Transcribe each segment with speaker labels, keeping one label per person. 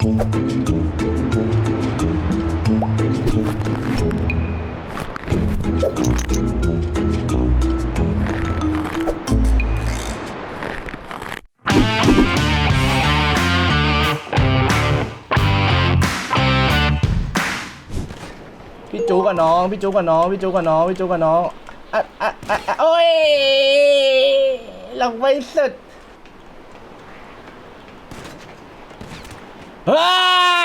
Speaker 1: พี่จูกับน้องพี่จูกับน้องพี่จูกับน้องพี่จูกับน้องโอ้ยลงไปสุดว้า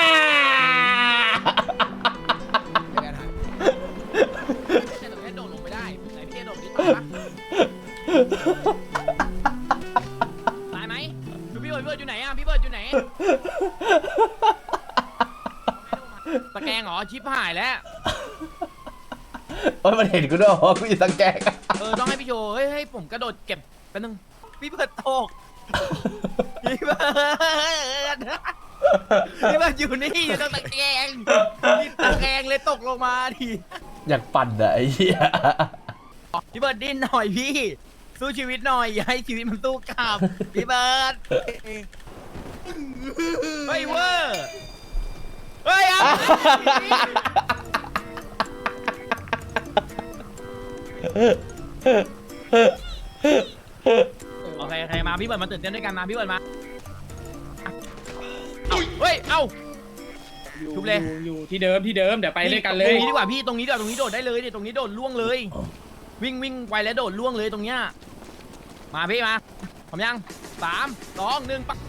Speaker 2: โดดลงไปได้ไหนพี่โดดดิตายไหมดูพี่เบิร์ดอยู่ไหนอ่ะพี่เบิร์ดอยู่ไหนตะแกรงเหรอชิปหายแล้ว
Speaker 1: โอ้ยมันเห็นกูด้วยว่ากูอยู่ตะแกรง
Speaker 2: ต้องให้พี่โชว์เฮ้ยให้ผมกระโดดเก็บแป๊บนึงพี่เบิร์ดตกพี่เบิร์ดอยู่นี่อยู่ตรงตะแกรงตะแกรงเลยตกลงมาดิ
Speaker 1: อยากปั่นอะไอ้เหี้ย
Speaker 2: พี่เบิร์ดดิ้นหน่อยพี่สู้ชีวิตหน่อยอย่าให้ชีวิตมันสู้กลับพี่เบิร์ดเฮ้ยเวอร์เฮ้ยอ่ะโอเคมาพี่เบิร์ดมาตื่นเต้นด้วยกันมาพี่เบิร์ดมาเฮ้ยเอ้าทุบเลย
Speaker 3: อยู่ที่เดิมเดี๋ยวไปด้วยกันเลย
Speaker 2: ตรงนี้ดีกว่าพี่ตรงนี้โดดได้เลยเนี่ยตรงนี้โดดล่วงเลยวิ่งไปแล้วโดดล่วงเลยตรงเนี้ยมาพี่มาพร้อมยัง3 2 1ปัก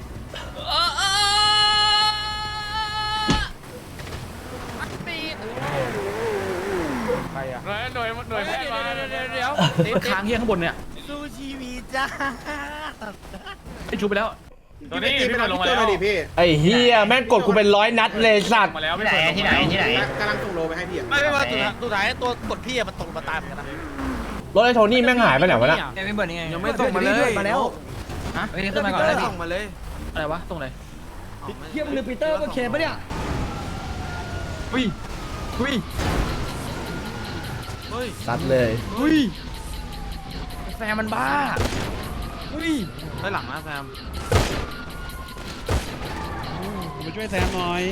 Speaker 2: ปีด
Speaker 3: ใครอ่ะหน่วยแพทย์มา
Speaker 2: เดี๋ยว
Speaker 3: ค้างเฮี้ยข้างบนเนี่ย
Speaker 2: สู้ชีวิตจ้า
Speaker 3: ไอ้ชูไปแล้วตัวนี้พี่มาลงมาแล้ว
Speaker 1: ไอ้เฮียแม่งกดกูเป็น100 นัดเลยสัตว์
Speaker 3: มาแล้วไม่
Speaker 4: ที่ไหน
Speaker 5: กำลังส่งโลไปให้พี่
Speaker 2: ไม่ว่าสุดท้ายตัวกดพี่มันตกมาตายเหมือนกันนะ
Speaker 1: รถไอ้โทนี่แม่งหายไปไหนวะเนี่ย
Speaker 2: ไม่เบิร์นยังไง
Speaker 4: ยังไม่ส่งมาเลย
Speaker 2: มาแล้วฮะขึ้นมาก่อนเลยส่งมาเลย
Speaker 3: อะไรวะตรงไหน
Speaker 2: เทียบมือปีเตอร์ก็เขียนปะเนี่ย
Speaker 3: อุ้ย
Speaker 1: ซัดเลย
Speaker 2: แซมมันบ้า
Speaker 3: ไปหลังนะแซมมาช่วยแซมหน่อย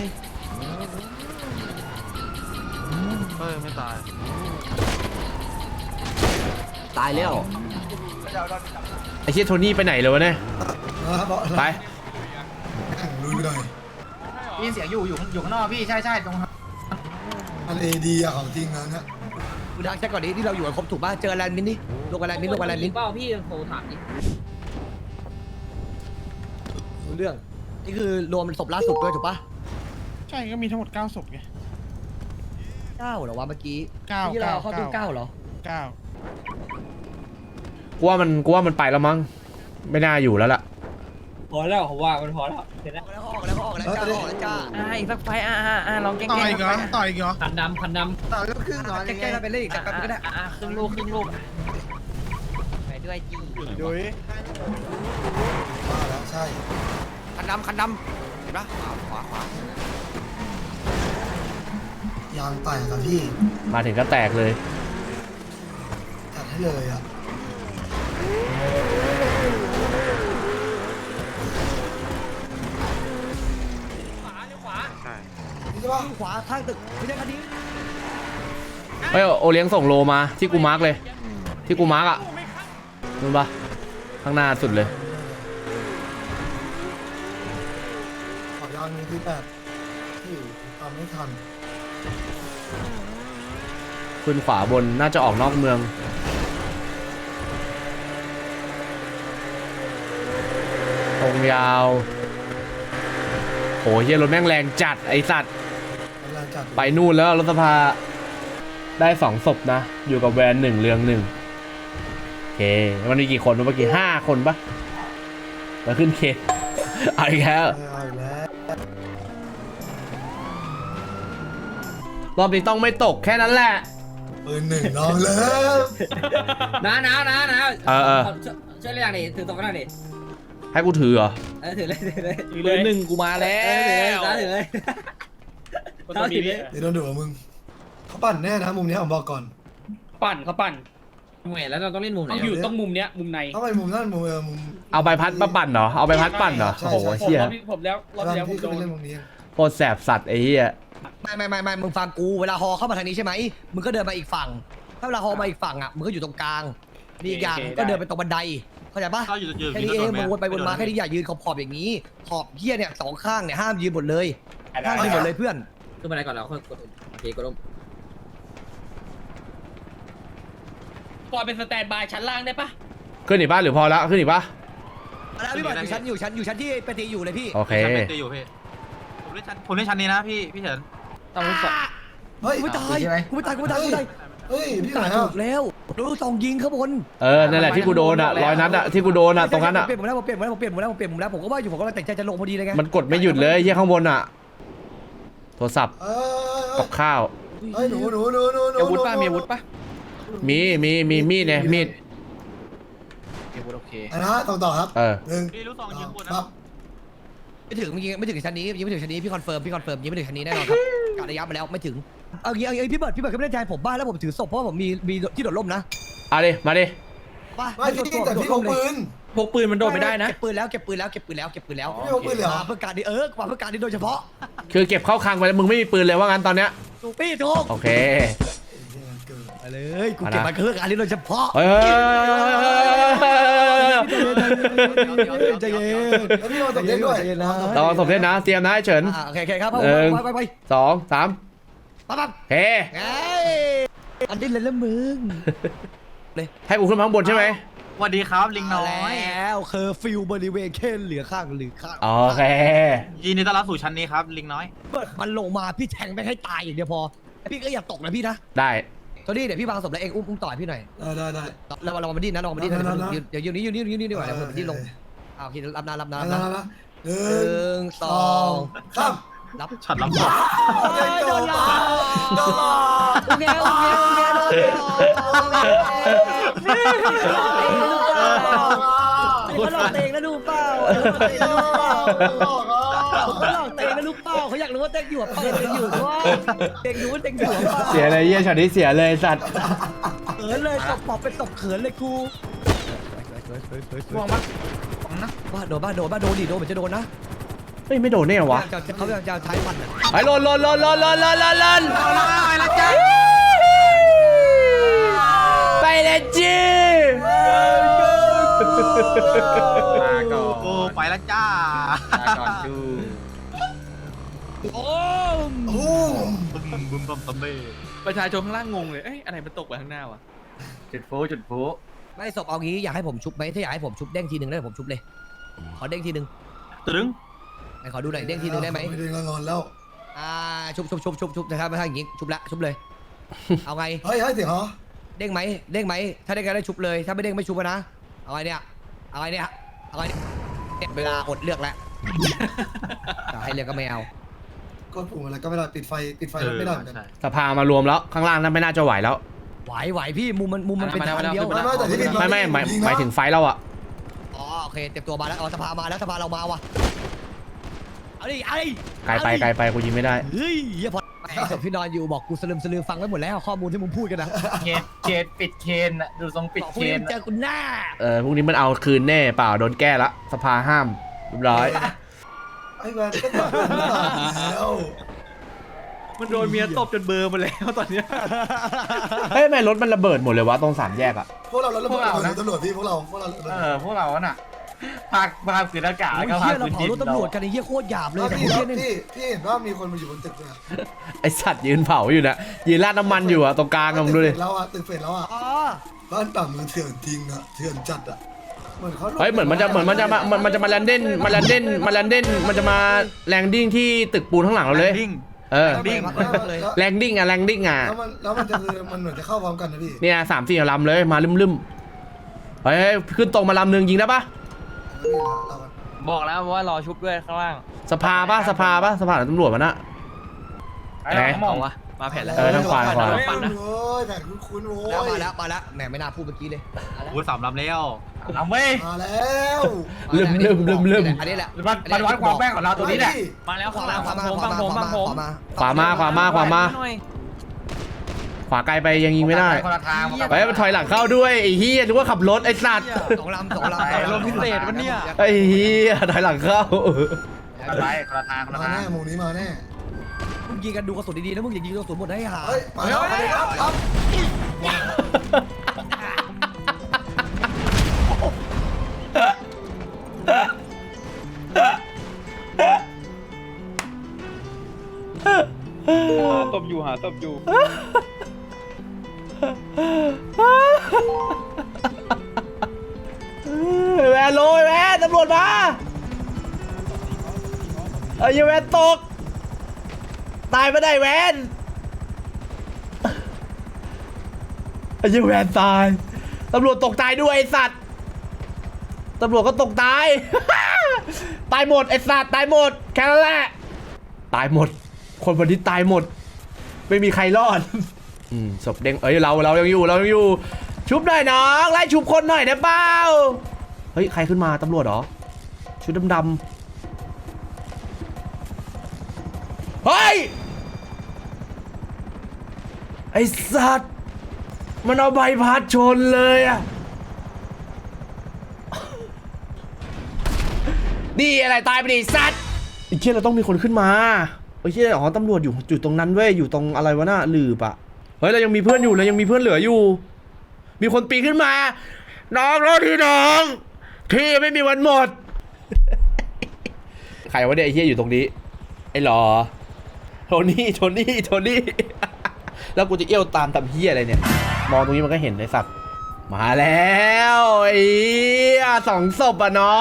Speaker 3: ไม่ตาย
Speaker 1: แล้วไอ้เชี่ยโทนี่ไปไหนเลยวะเนี่ยไป
Speaker 5: ลุยไปหน่อย
Speaker 4: พี่เสียงอยู่ข้างนอกพี่ใช่ตรง
Speaker 5: อันเอดีอะของจริงนะเนี่ย
Speaker 4: กูดักแค่ก่อนนี้ที่เราอยู่กันครบถูกป่ะเจอแลนด์มินนี่ลงกันแลนด์มิน
Speaker 2: เปล่าพี่โทรถามดิ
Speaker 4: รู้เรื่องนี่คือรวมศพล่าสุดด้วยถูกป่ะ
Speaker 3: ใช่ก็มีทั้งหมด9ศพไง
Speaker 4: 9เหรอวะเมื่อกี้
Speaker 3: 9
Speaker 4: ที่เราเข้าตู้9เหรอ
Speaker 3: 9
Speaker 1: กูว่ามันไปแล้วมั้งไม่น่าอยู่แล้วล่ะ
Speaker 2: พอแล้วผมว่ามันพอแล้วเสร็จแล้ว
Speaker 4: ออกแล้วจ้า
Speaker 2: อีกสักไฟลองแกล้ง
Speaker 5: ต่อยอีกเหรอ
Speaker 2: คันดำ
Speaker 4: ต่อยก็ครึ่งหน่อยแกล้งไปเล่นอีกสักแป๊บก็ได้
Speaker 2: ครึ่งลูกไปด้วยจี
Speaker 3: ดุย
Speaker 5: มาแล้วใช่
Speaker 4: คันดำเห็นปะขว
Speaker 5: ยางแตกอะพี่
Speaker 1: มาถึงก็แตกเลย
Speaker 5: ตัดให้เลยอะ
Speaker 4: ขวาข้างตึกไม่ใช่คันนี้
Speaker 1: เฮ้ยโอเลี้ยงส่งโลมาที่กูมาร์กเลยที่กูมาร์กอ่ะนู่นปะข้างหน้าสุดเลย
Speaker 5: ขอยางนี้ที่แบบที่ตามไม่ทัน
Speaker 1: ขึ้นขวาบนน่าจะออกนอกเมืองตรงยาวโหเฮียรถแม่งแรงจัดไอสัตว์ไปนู่นแล้วรถสภาได้2 ศพนะอยู่กับแวน1เรือง1โอเคมันมีกี่คนเมื่อกี้5 คนปะมาขึ้นเคเอาอีกแล้วรอบนี้ต้องไม่ตกแค่นั้นแหละ
Speaker 5: ปืน1น้องเลย
Speaker 2: นะช่วยเรียกดิถือตรงนั้นดิ
Speaker 1: ให้กูถือเหรอ
Speaker 2: ถือเลย1กูมาแล้วถือเลย
Speaker 5: เดี๋ยวโดนดุมึงเขาปั่นแน่นะมุมนี้ผมบอกก่อน
Speaker 3: เขาปั่น
Speaker 6: แหวนแล้วเราต้องเล่นมุมไหน
Speaker 3: ต้องอยู่ต้องมุมเนี้ยมุมใน
Speaker 5: ต้องไปมุมนั่นมุมมุม
Speaker 1: เอาใบพัดมาปั่นเหรอเอาใบพัดปั่นเหรอ
Speaker 5: ใช่
Speaker 1: โอ้โห
Speaker 5: ใช่
Speaker 1: เชี่ย
Speaker 3: ผมแล้วรอบ
Speaker 5: แล้ว
Speaker 3: ที่แล้วผ
Speaker 5: พี่
Speaker 3: ม
Speaker 5: ก็
Speaker 3: โด
Speaker 5: ไป
Speaker 3: น
Speaker 5: เล่นมุมนี้
Speaker 1: โคตรแสบสัตว์ไอ้เหี้ย
Speaker 4: ไม่มึงฟังกูเวลาฮอเข้ามาทางนี้ใช่ไหมมึงก็เดินมาอีกฝั่งถ้าเวลาฮอมาอีกฝั่งอ่ะมึงก็อยู่ตรงกลางมีอีกอย่างก็เดินไปตรงบันไดเข้าใจปะ
Speaker 7: เข้าอยู่
Speaker 4: แค่นี้เองมึงวนไปวนมาแค่นี้อย่ายืนขอบอย่างนี้ขอบเหี้ยเนี่ยสองข้างเนี่ยห้ามยืนหมดเลยห้ามยืนหมดเลยเพื่อน
Speaker 6: ขึ้นมาได้ก่อนแล้วค่อยกดโอเคกดลง
Speaker 3: ปล่อยเป็นสแตนบายชั้นล่างได้ปะ
Speaker 1: ขึ้นอีกป่ะหรือพอละขึ้นอีกป่ะ
Speaker 4: แล้วพี่บอลอยู่ชั้นที่ปฏิอยู่เลยพี่
Speaker 1: โอเค
Speaker 7: ชั้นเป็นตีอยู่พี่ผมเล่นชั้นนี้นะพี่เฉิน
Speaker 3: ต้องรู้สึก
Speaker 5: เฮ้ย
Speaker 4: กูไม่ตายกูไม่ตาย
Speaker 5: เฮ้ยพี่ไหน
Speaker 4: ถู
Speaker 5: อ่ะ
Speaker 4: กแล้วดูสองยิงข้างบน
Speaker 1: นั่นแหละที่กูโดนอ่ะร้อยนัดอ่ะที่กูโดนอ่ะตรงนั้นอ่ะ
Speaker 4: เปลี่ยนผมแล้วผมก็ว่าอยู่ผมก็เลยแต่งใจจะลงพอดีเลยไง
Speaker 1: มันกดไม่หยุดเลยเหี้ยข้างบนอ่ะโทรศัพท์กับข้าว
Speaker 5: เฮ้ยหนู
Speaker 3: อาวุธป่ะมีอาวุธป่ะ
Speaker 1: มีมีดเนี่ยมีด
Speaker 3: มีอาวุธโอเค
Speaker 5: นะต่อครับหนึ่ง
Speaker 7: พี่ลูกซองยิงบน
Speaker 5: ครั
Speaker 7: นะ
Speaker 5: บ
Speaker 4: ไม่ถึงชั้นนี้ยังไม่ถึงชั้นนี้พี่คอนเฟิร์มยังไม่ถึงชั้นนี้แน่นอนครับกะระยะมาแล้วไม่ถึงเอางี้พี่เบิร์ดก็ไม่ได้แทนผมบ้านแล้วผมถือศพเพราะว่าผมมีที่โดดร่มนะ
Speaker 1: เอาดิมาดิ
Speaker 5: ไม่พี่แต่พี่พกปืน
Speaker 3: พกปืนมันโดนไม่ได้นะ
Speaker 4: เก็บปืนแล้ว
Speaker 5: พี่พกปืนเหรอ
Speaker 4: มาเพื่อการนี้มาเพื่อการนี้โดยเฉพาะ
Speaker 1: คือเก็บเข้าคลังไปแล้วมึงไม่มีปืนเลยว่างั้นตอนเนี้ย
Speaker 4: ถูกพี่ถูก
Speaker 1: โอเค
Speaker 4: ไปเลยกูเก็บมาเพื่อการนี้โดยเฉพาะ
Speaker 1: เฮ้ย
Speaker 4: ใจเย็น
Speaker 5: แล้วพี่มาตกเล่นด้วย
Speaker 1: รอศพเล่นนะเตรียมนะไอ้เฉิน
Speaker 4: โอเคครับไป
Speaker 1: 2 3
Speaker 4: ปั๊บ
Speaker 1: โอเค
Speaker 4: ไงอันนี้เลยละมึง
Speaker 1: ให้กูขึ้นมาข้างบนใช่ไหม
Speaker 7: สวัสดีครับลิงน้อย
Speaker 4: แล้วเคอร์ฟิวบริเวณแค่เหลือข้าง
Speaker 1: โอเค
Speaker 7: ยินดีต้อนรับสู่ชั้นนี้ครับลิงน้อย
Speaker 4: มันลงมาพี่แทงไม่ให้ตายอย่างเดียวพอพี่ก็อย่าตกนะพี่นะ
Speaker 1: ได้
Speaker 4: ตอนนี้เดี๋ยวพี่วางศพแล้วเองอุ้มต่อยพี่หน่อย
Speaker 5: ได้
Speaker 4: แล้วเรามาดิ้นนะเดี๋ยวยืนนี่ดีกว่าเดี๋ยวผมดิ้นลงโอเครับนะ
Speaker 5: หนึ่
Speaker 4: หนึ่งสอง
Speaker 5: สาม
Speaker 4: รับ
Speaker 7: ฉันรับ
Speaker 5: โดนหลอกโดนหลอก
Speaker 4: โอเคโดนเขาหลอกเตงนะดูเปล่าเขาหลอกเตงนะลูกเปล่าเขาอยากรู้ว่าเตงอยู่เปล่าเตงอยู่ว่าเตงรู้ว่าเตงอยู่เปล่า
Speaker 1: เสียเลยเยี่ยช็อตนี้เสียเลยสัตว์
Speaker 4: เขินเลยตบปอบเป็นตบเขินเลยครู
Speaker 3: ห่วงมั้ย
Speaker 4: บ้าโดนเหมือนจะโดนนะ
Speaker 1: เฮ้ยไม่โดนเนี่ยวะ
Speaker 4: เขาจะใช้ฟันอ่ะ
Speaker 1: ไอ้ลนไปเลยจี
Speaker 3: มาก่อน
Speaker 7: โอ้ไปแล้วจ้า
Speaker 3: มาก่อนดู
Speaker 4: โอ้
Speaker 7: บึมบัมเบ้
Speaker 3: ประชาชนข้างล่างงงเลยเอ้ยอะไรมันตกไปข้างหน้าวะจุดโฟ
Speaker 4: ไม่ศพเอางี้อยากให้ผมชุบไหมถ้าอยากให้ผมชุบเด้งทีหนึ่งได้ผมชุบเลยขอเด้งทีหนึ่ง
Speaker 7: ตึง
Speaker 4: ไหนขอดูหน่อยเด้งทีหนึ่งได้ไหม
Speaker 5: ไม่ได้งอนแล้ว
Speaker 4: ชุบนะครับถ้าอย่างงี้ชุบเลย เอาไง
Speaker 5: เฮ้ยเสียงเหรอ
Speaker 4: เด้งไหมถ้าเด้งก็ได้ชุบเลยถ้าไม่เด้งไม่ชุบนะเอาไงเนี่ยเวลาอดเลือกแล้วให้เลือกก็ไม่เอา
Speaker 5: ก็ปุ่มอะไรก็ไม่ได้ปิดไฟไม่ได้เหมือนกัน
Speaker 7: ใช่
Speaker 1: สภามารวมแล้วข้างล่างนั้นไม่น่าจะไหวแล้ว
Speaker 4: ไหวพี่มุมมันเป็นทางเดียว
Speaker 5: ไม่แต่ที่ปิด
Speaker 1: ไม่หมายถึงไฟเราอะ
Speaker 4: อ๋อโอเคเต็มตัวมาแล้วสภามาแล้วสภาเรามาว่ะเอาดิ
Speaker 1: ไกลไปกูยิงไม่ได้
Speaker 4: เฮ้ยพอไอ้ศพที่นอนอยู่บอกกูสลืมฟังไว้หมดแล้วข้อมูลที่มึงพูดกันนะ
Speaker 3: เกตปิดเคนอะดูทรงปิด
Speaker 4: บอก
Speaker 3: เค
Speaker 4: พรุ่งนี้
Speaker 3: น
Speaker 4: เจอกูหน้า
Speaker 1: พวกนี้มันเอาคืนแน่เปล่าโดนแก้ละสภาห้ามเรียบร้อย
Speaker 5: ไอ้แวนก็ตอบแล้ว
Speaker 3: มันโดนเมียตบจนเบอร์มาแล้วตอนเนี้ย
Speaker 1: เฮ้ยทำไมรถมันระเบิดหมดเลยวะตรง3 แยกอะ
Speaker 5: พวกเราตำรวจพี่พวกเรา
Speaker 3: พวกเราน่ะพาขืนอากาศ
Speaker 4: โอ้
Speaker 3: แล้ว
Speaker 4: ย
Speaker 3: ก็พา
Speaker 4: เฮียเรา
Speaker 3: ขืน
Speaker 4: เผา
Speaker 3: ดิน
Speaker 4: รถตำรวจกันไอ้เฮียโคตรหยาบเลยแต่
Speaker 5: พี่
Speaker 4: เฮียนี่
Speaker 5: พี่เห็นว่ามีคนมาอยู่บนตึกเลย
Speaker 1: ไอสัตว์ยืนเผาอยู่นะยืนราดน้ำมันอยู่อะตรงกลางอะมึงดูดิ
Speaker 5: แล้วอ่ะตึกเฟดแล้วอ่ะ
Speaker 4: อ๋อ
Speaker 5: บ้านต่ำมันเถื่อนจริงอ่ะเถื่อนจัดอ่ะเหมือนเขา
Speaker 1: เฮ้ยเหมือนมันจะมาแลนดิ้งมันจะมาแลนดิ้งที่ตึกปูนข้างหลังเราเลย
Speaker 7: ดิ้ง
Speaker 4: เลย
Speaker 1: แลนดิ้งอะ
Speaker 5: แล้วมันจะคือมันเหมือนจะเข้าพร้อมกันนะพี่
Speaker 1: เนี่ย3-4ลำเลยมาลืมเฮ้ยขึ้นตรงมาลำนึงยิงได้ปะ
Speaker 2: บอกแล้วว่ารอชุบด้วยข้างล่าง
Speaker 1: สภาหรือตำรวจมันอะ
Speaker 3: ไอ้หมองวะ
Speaker 2: มาแผ่นแล้ว
Speaker 1: ทางขวา
Speaker 5: โอ้ยแผนคุ้นๆโว้ย
Speaker 4: มาแล้วแหมไม่น่าพูดเมื่อกี้เลย
Speaker 7: โอ้ย3 ลำแล้ว
Speaker 3: เอาเว้ย
Speaker 5: มาแล้ว
Speaker 1: ลืม
Speaker 4: อันนี้แหละ
Speaker 3: มันวัดความแม่งของเราตัวนี้แหละ
Speaker 2: มาแล้วข้างล่าง
Speaker 4: ขวา
Speaker 2: บังผม
Speaker 1: ขวามา
Speaker 2: หน่อย
Speaker 1: ขวาไกลไปยังยิงไม่ได้
Speaker 7: คนละทาง
Speaker 1: ไปมันถอยหลังเข้าด้วยไอ้เหี้ยนึกว่าขับรถไอ้สัตว์
Speaker 4: สองลำ
Speaker 3: ลมพิเศษวันเนี้ย
Speaker 1: ไอ้เหี้ยถอยหลังเข้า
Speaker 7: ไปคนละทางคนละ
Speaker 5: มา
Speaker 7: ทาง
Speaker 5: แน่หมูนี้มาแน่
Speaker 4: มึงยิงกันดูกระสุนดีๆนะมึงอย่ายิงกระสุนหมดให้หา
Speaker 5: เฮ้ยมาแล้วมาแล้วครับ
Speaker 3: ตบอยู่หาตบอยู่
Speaker 1: แวนโรยแวนตำรวจมาไอ้ยแวนตก ตายไม่ได้แวนไอ้ยแวนตายตำรวจตกตายด้วยไอ้สัตว์ตำรวจก็ตกตาย ตายหมดไอ้สัตว์ตายหมดแค่นั้นแหละตายหมด คนวันนี้ตายหมด ไม่มีใครรอด ศพเด้งเอ้ยเรายังอยู่ชุบหน่อยน้องไล่ชุบคนหน่อยได้เปล่าเฮ้ยใครขึ้นมาตำรวจเหรอชุดดำเฮ้ยไอสัตว์มันเอาใบพัดชนเลยอะนี่อะไรตายไปดิสัตว์ไอ้เชี่ยเราต้องมีคนขึ้นมาไอ้เชี่ยอ๋อตำรวจอยู่ตรงนั้นเว้ยอยู่ตรงอะไรวะน่ะหลืบอะเฮ้ยเรายังมีเพื่อนอยู่เรายังมีเพื่อนเหลืออยู่มีคนปีนขึ้นมาน้องรถที่น้องที่ไม่มีวันหมด ใครวะเนี่ยไอ้เหี้ยอยู่ตรงนี้ไอ้หรอโทนี่ แล้วกูจะเอี้ยวตามทำเหี้ยอะไรเนี่ยมองตรงนี้มันก็เห็นไอ้สัตว์มาแล้วไอ้เหี้ยสองศพอ่ะน้อง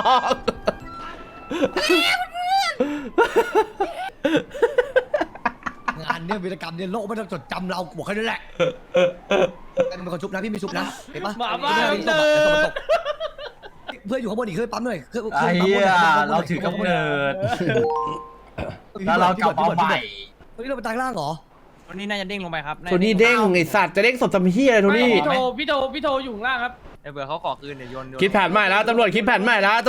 Speaker 4: งานเนี่ยวีรกรรมเนี่ยโลกไม่ต้องจดจำเราบอกแค่นั้นแหละเป็นคนชุบนะพี่ไม่ชุบนะเห็นปะเพื่อนอยู่ข้างบนอีกเคยปั๊มหน่อยเคย
Speaker 7: ไอ้เหี้ยเราถือกำเนิดแล้วเรากลับมาใหม่
Speaker 4: ตอนนี้เราไปตายล่างเหรอ
Speaker 3: วันนี้น่าจะเด้งลงไปครับ
Speaker 1: โทนี่เด้งไอ้สัตว์จะเด้งศพทำเหี้ยอะไรโทนี่
Speaker 3: พี่โทอยู่ข้างล่างครับไอ้เบื่อเขาขอคืนเดี๋ยวโยน
Speaker 1: คิดแผนใหม่แล้วตำรวจคิดแผนใหม่แล้ว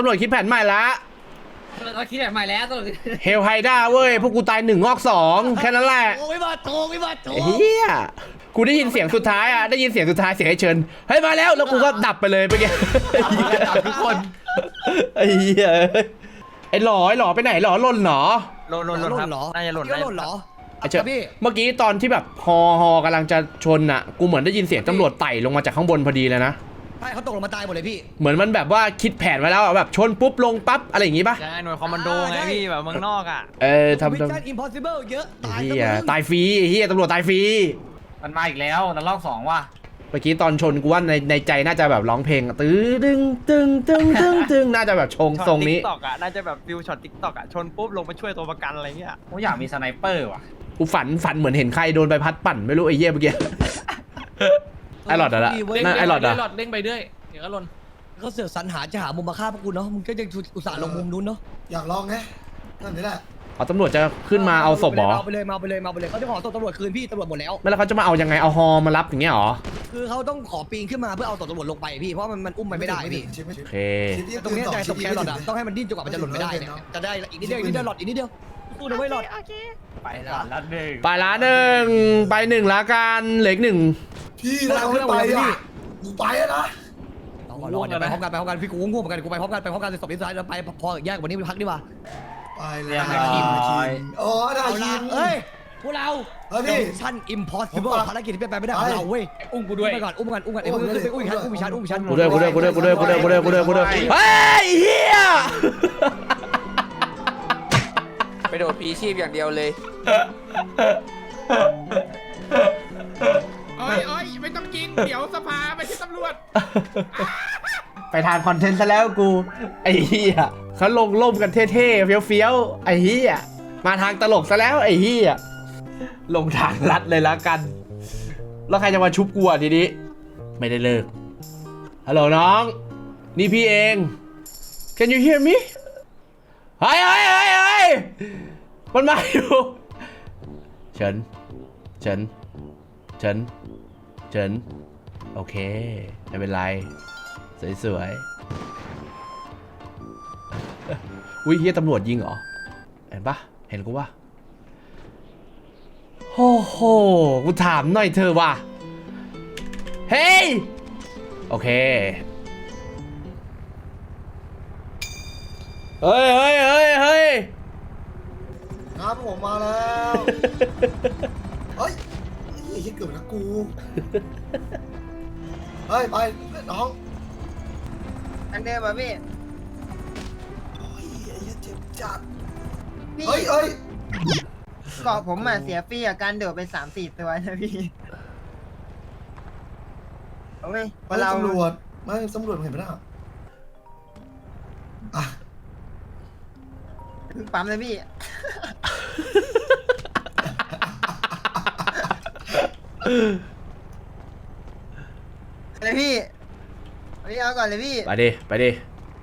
Speaker 6: เราคิดแบบใหม่แล้วตลอด
Speaker 1: เฮลไฮด้าเว้ยพวกกูตาย1 งอก 2แค่นั้นแหละ
Speaker 4: โอ้ยมาโต
Speaker 1: เฮียกูได้ยินเสียงสุดท้ายเสียงให้เชิญเฮ้ยมาแล้วกูก็ดับไปเลยเมื่อกี้
Speaker 7: ดับทุกคน
Speaker 1: ไอ้เหี้ยไอ้หล่อไปไหนหล่อหล่นเหรอ
Speaker 3: หล่นครับน่าจะหล่น
Speaker 4: ก็หล่นเหรอ
Speaker 1: ไอ้เชิญ
Speaker 4: พี่
Speaker 1: เมื่อกี้ตอนที่แบบฮอกำลังจะชนอ่ะกูเหมือนได้ยินเสียงตำรวจไต่ลงมาจากข้างบนพอดีเลยนะ
Speaker 4: ใช่เขาตกลงมาตายหมดเลยพี่
Speaker 1: เหมือนมันแบบว่าคิดแผนไว้แล้วแบบชนปุ๊บลงปั๊บอะไรอย่างงี้ป่ะ
Speaker 3: ใช่หน่วยคอมมานโดไงพี่แบบเมืองนอกอ่ะ
Speaker 1: ทำ
Speaker 4: มิชชั่นอิมพอสิเบิลเยอะตาย
Speaker 1: เฮียตายฟรีเฮียตำรวจตายฟรี
Speaker 7: มันมาอีกแล้วนันลอก2ว่ะ
Speaker 1: เมื่อกี้ตอนชนกูว่าในใจน่าจะแบบร้องเพลงตื้อตึงน่าจะแบบชงทรงนี้
Speaker 3: ช็อตติ๊กต็อกอ่ะน่าจะแบบฟิวช็อตติ๊กต็อกอ่ะชนปุ๊บลงไปช่วยตัวประกันอะไรเงี้ย
Speaker 7: ผมอยากมีสไนเปอร์ว่ะ
Speaker 1: กูฝันเหมือนเห็นใครโดนใบพัดปั่นไม่รู้ไอ้เหี้ยเมื่อกี้ ไอ้หลอดอะละนั่นไอ้หลอดอะ
Speaker 2: เด้งไปเรื่อยเดี๋ยวก็หล่น
Speaker 4: เขาเสือกสรรหาจะหามุมมาฆ่าพวกกูเนาะมึงก็ยังอุตส่าห์ลงมุมนู้นเนาะ
Speaker 5: อยากลองไงนั่นนี่แหละ
Speaker 1: เอาตำรวจจะขึ้นมาเอาศพเหรอ
Speaker 4: มาไปเลยเขาจะขอศพตำรวจคืนพี่ตำรวจหมดแล้ว
Speaker 1: ไม่แล้วเขาจะมาเอายังไงเอาฮอมารับอย่างเงี้ยเหรอ
Speaker 4: คือเขาต้องขอปีนขึ้นมาเพื่อเอาศพตำรวจลงไปพี่เพราะมันอุ้มมันไม่ได้พี่
Speaker 5: ชิปไม่ถึง
Speaker 1: โอเค
Speaker 4: ตรงนี้ใจศพแครอทอะต้องให้มันดิ้นจนกว่ามันจะหล่นไม่ได้เนี่ยจะได้อีกนิดเดียวหลอดอีกนิดเดียวสู้นะเว้ยหลอด
Speaker 7: ไปละหนึ่ง
Speaker 1: ไปละหนึ่งไปหนึ่งละกันเหล็กหนึ่ง
Speaker 5: พี่เราไม่ไปอ่ะกูไปแล้วนะ
Speaker 4: รอเดี๋ยวไปพร้อมกันพี่กูง่วงเหมือนกันกูไปพร้อมกันศพที่ซ้ายเราไปพอแยกวันนี้ไปพักดีกว่า
Speaker 5: ไปเลยทีมอ๋อได้
Speaker 4: เอา
Speaker 5: ที
Speaker 4: ละ
Speaker 5: ม
Speaker 4: เอ้ยพวกเรา
Speaker 5: เฮ้ยพี่
Speaker 4: ชั่น impossible ภารกิจที่เป็นไปไม่ได้ของเราเว้ย
Speaker 3: อุ้มกูด้วย
Speaker 4: ไปก่อนอุ้มกันไอ้พวกนี้ไปอุ้มฉันอุ้มฉัน
Speaker 1: กูด้วยเฮ้ยเฮีย
Speaker 8: ไปโดดพีชีพอย่างเดียวเลย
Speaker 2: โอ้ยไม่ต้องกินเดี๋ยวสภาไม่ใช่ตำรวจ
Speaker 1: ไปทางคอนเทนต์ซะแล้วกูไอ้เฮียเขาลงร่มกันเท่ๆเฟี้ยวๆไอ้เฮียมาทางตลกซะแล้วไอ้เฮียลงทางลัดเลยละกันแล้วใครจะมาชุบกูอ่ะทีนี้ไม่ได้เลิกฮัลโหลน้องนี่พี่เอง Can you hear me เฮ้ยมันมาอยู่เฉินโอเคไม่เป็นไรสวยๆอุ้ยเฮียตำรวจยิงเหรอเห็นปะเห็นกูปะโอ้โหกูถามหน่อยเธอว่ะเฮ้ยโอเคเฮ้ยเฮ้ยเฮ้ยเฮ้ย
Speaker 5: ครับผมมาแล้วเฮ้ยไอ้เหี้ยเกือบนะกูเฮ้ยไปน้อง
Speaker 2: อันเดิมป่ะพี่
Speaker 5: โอ้ยไอ้เหี้ยเจ็บจัด
Speaker 2: พี่
Speaker 5: เฮ้ยเฮ้ย
Speaker 2: เกาะผมอ่ะเสียฟรีอ่ะการโดดไป3-4 ตัวนะพี่โอ้ย
Speaker 5: ไม่ตำรวจไม่ตำรวจเห็นไหมล่ะอ่ะ
Speaker 2: เพิ่งปั๊มเลยพี่เลยพี่เอาก่อนเลยพี่
Speaker 1: ไปดิไปดิ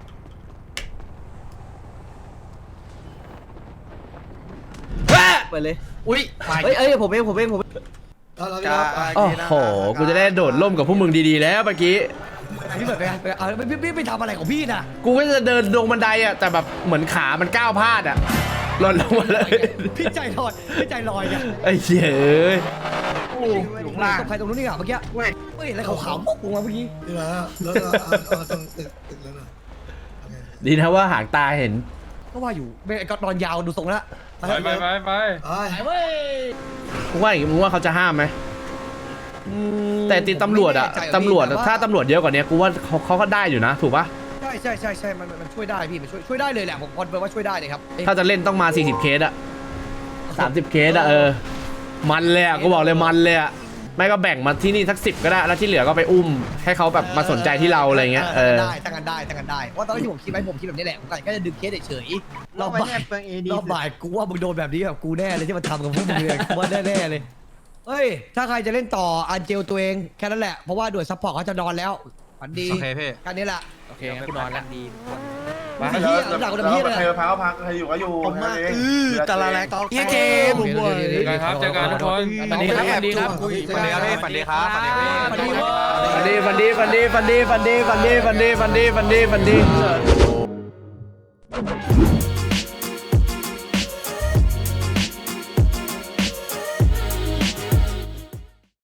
Speaker 1: เฮ้ย
Speaker 6: ไปเลย
Speaker 3: อุ้ย
Speaker 6: เอ้ยผมเอง
Speaker 5: แล้วพี่ครับอ่ะ
Speaker 1: โอ้โหกูจะได้โดดร่มกับพวกมึงดีๆแล้วเมื่อกี้
Speaker 4: พี่เบิร์ดไปทำอะไรของพี่น่ะ
Speaker 1: กูก็จะเดินลงบันไดอ่ะแต่แบบเหมือนขามันก้าวพลาดอ่ะหล่นลงมาเลย
Speaker 4: พี่ใจลอยเนี่ย
Speaker 1: ไอ้เหี้ยเอ้ย
Speaker 4: ตกใครตรงนู้นนี่อ่ะเมื่อกี้ไม่เห็นอะไรขาวๆปุ๊บลงมาเมื่อกี้
Speaker 5: นี่นะแล้วเอาตรงตึกแล้วนะโอเค
Speaker 1: ดีนะว่าหางตาเห็น
Speaker 4: ก็ว่าอยู่ก็นอนยาวดูทรงแล้ว
Speaker 3: ไปไปไปไป
Speaker 5: ไป
Speaker 1: มึงว่าอย่างงี้มึงว่าเขาจะห้ามไหมแต่ตีตำรวจอะตำรวจถ้าตำรวจเยอะกว่านี้กูว่าเขาก็ได้อยู่นะถูกปะ
Speaker 4: ใช่มันช่วยได้พี่มันช่วยได้เลยแหละผมคอนเฟิร์มว่าช่วยได้เลยครับ
Speaker 1: ถ้าจะเล่นต้องมา40เคสอะ30เคสอะมันเลยอะกูบอกเลยมันเลยอะไม่ก็แบ่งมาที่นี่สัก10ก็ได้แล้วที่เหลือก็ไปอุ้มให้เขาแบบมาสนใจที่เราอะไรเงี้ย
Speaker 4: ได้ตั้งกันได้ว่าตอนที่ผมคิดแบบนี้แหละผมก็จะดึงเคสเฉยๆรอบบ่ายกูว่ามึงโดนแบบนี้แบบกูแน่เลยที่มันทำกับพวกมึงเลยกูว่าแน่เลยเฮ้ยถ้าใครจะเล่นต่ออันเจลตัวเองแค่นั้นแหละเพราะว่าด่วนซัพพอร์ตเขาจะนอนแล้วฝันดี
Speaker 3: โอเคพี่
Speaker 4: กันนี้แหละ
Speaker 3: โอเคงั้นกูนอนแล้ว
Speaker 4: ไอ้เหี้ยหลังกูเหี้ยเลย
Speaker 7: ใครพักก็พักใครอยู่ก็อยู่
Speaker 5: ผมมา
Speaker 7: ตะละแรง
Speaker 4: เหี้ยเกม
Speaker 3: เจอกันครับเจอกันทุกคนสวัสดีครับสวัสดีครับ
Speaker 5: สวัสดีครับพี่
Speaker 3: สวัสดีครับสวัสดีครับ
Speaker 4: ฝันดี
Speaker 1: ฟันดีฟันดีฟันดีฟันดีฟันดีฟันดีฟันดีฟันดีฟันดีฟันดี